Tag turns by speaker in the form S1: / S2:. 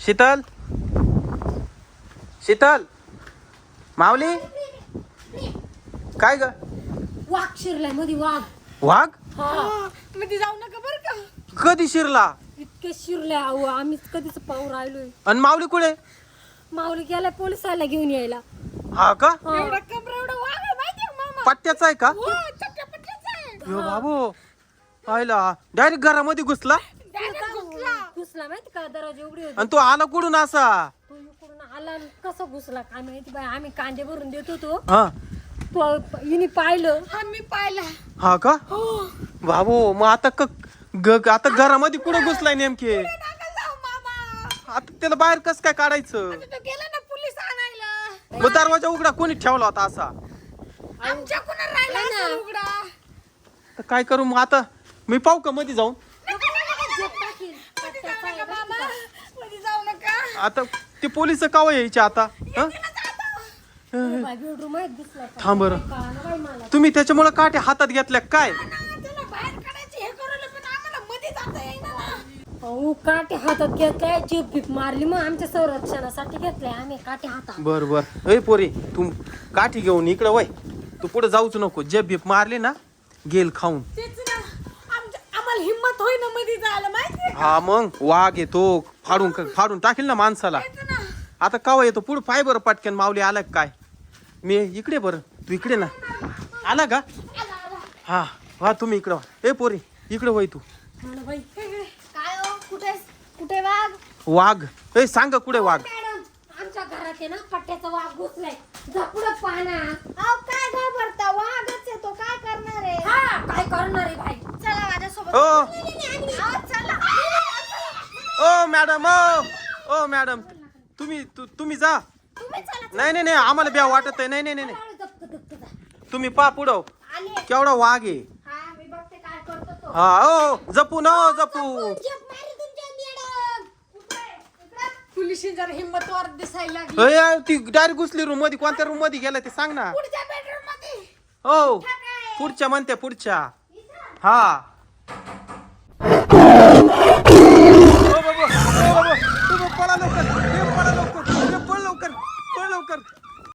S1: शीतल शीतल माऊली काय ग
S2: वाघ शिरलाय मध्ये वाघ.
S1: वाघ
S3: मध्ये जाऊ नका बरं का.
S1: कधी शिरला
S2: इतके शिरले अहो आम्ही कधीच पाहू राहिलोय.
S1: आणि माऊली कुठे
S2: माऊली गेलाय पोलिसाला घेऊन यायला.
S1: हा का
S3: एवढा कबर एवढा वाघ आहे माहिती आहे मामा.
S1: पट्ट्याचा आहे का
S3: हो चक्क्या पट्ट्याचा आहे.
S1: यो बाबू आयला डायरेक्ट घरामध्ये घुसला
S3: Direct घुसला.
S2: घुसला माहिती का दरवाजे उघडे होते.
S1: आणि तो आला कुठून असा
S2: तो इकडून आला आणि कसं घुसला काय माहिती बाई. आम्ही कांदे भरून देत होतो
S1: हा
S2: तो हिने पाहिलं.
S3: हा मी पाहिला.
S1: हा का
S3: हो
S1: बाबू मग आता आता घरामध्ये कुठं घुसलाय नेमके
S3: नका जाऊ मामा.
S1: आता त्याला बाहेर कस काय काढायचं
S3: तो गेला ना पोलीस आणायला.
S1: मग दरवाजा उघडा कोणी ठेवला होता असा
S3: आमच्या कुणा राहिला
S2: नाही ना.
S3: असेल उघडा.
S1: तर काय करू मग आता मी पाहू का मध्ये जाऊन
S2: जेप टाकील.
S3: मध्ये जाऊ नका मामा. मध्ये जाऊ नका.
S1: आता ते पोलिस कावा यायचे आता हं?
S2: बाई बेडरूम आहे दिसला का?
S1: थांब बरं.
S2: कळालं बाई मला.
S1: तुम्ही त्याच्यामुळे काटे हातात घेतल्या काय
S3: ना, त्याला बाहेर काढायची हे करू पण आम्हाला मध्ये जाता येईना ना.
S2: अहो काटे हातात घेतलाय जीप बीप मारली मग आमच्या संरक्षणासाठी घेतलाय आम्ही काटे हातात.
S1: बर बर ए पोरी तू काठी घेऊन इकडं वय तू पुढे जाऊच नको जे बीप मारली ना गेल खाऊन
S3: तेच ना. आम्हाला हिम्मत होईना मध्ये जायला माहितीये का?
S1: हा मग वाघ येतो फाडून टाकेल ना माणसाला
S3: तेच ना.
S1: आता कावा येतो पुढे पाय बरं पटकन माऊली आला का काय मी इकडे बरं तू इकडे ना आला का हा हा तुम्ही इकडं वा. ए पोरी इकडे वय तू
S2: मला बाई
S3: काय हो कुठे वाघ.
S1: वाघ ए सांग कुठे वाघ
S2: मॅडम आमच्या घरात आहे ना पट्ट्याचा वाघ घुसलाय. जा पुढं पाहना.
S3: अहो काय घाबरता वाघच आहे तो. काय करणार आहे.
S2: हा काय करणार आहे भाई.
S3: चला माझ्यासोबत.
S1: ओ
S3: अहो, चला.
S1: ओ मॅडम ओ मॅडम तुम्ही जा
S3: तुम्ही चला.
S1: नाही आम्हाला ब्या वाटत आहे नाही तुम्ही पा पुढं
S3: आले.
S1: केवढा वाघ आहे
S3: हा मी बघते काय करतो तो.
S1: हा ओ जपू न जपू
S3: पोलिस जरा हिम्मतवर दिसायला लागली.
S1: अय, ती डायरेक्ट घुसली रूम मध्ये कोणत्या रूम मध्ये गेला ते सांग ना
S3: पुढच्या बेडरूम मध्ये.
S1: हो पुढच्या म्हणते पुढच्या हा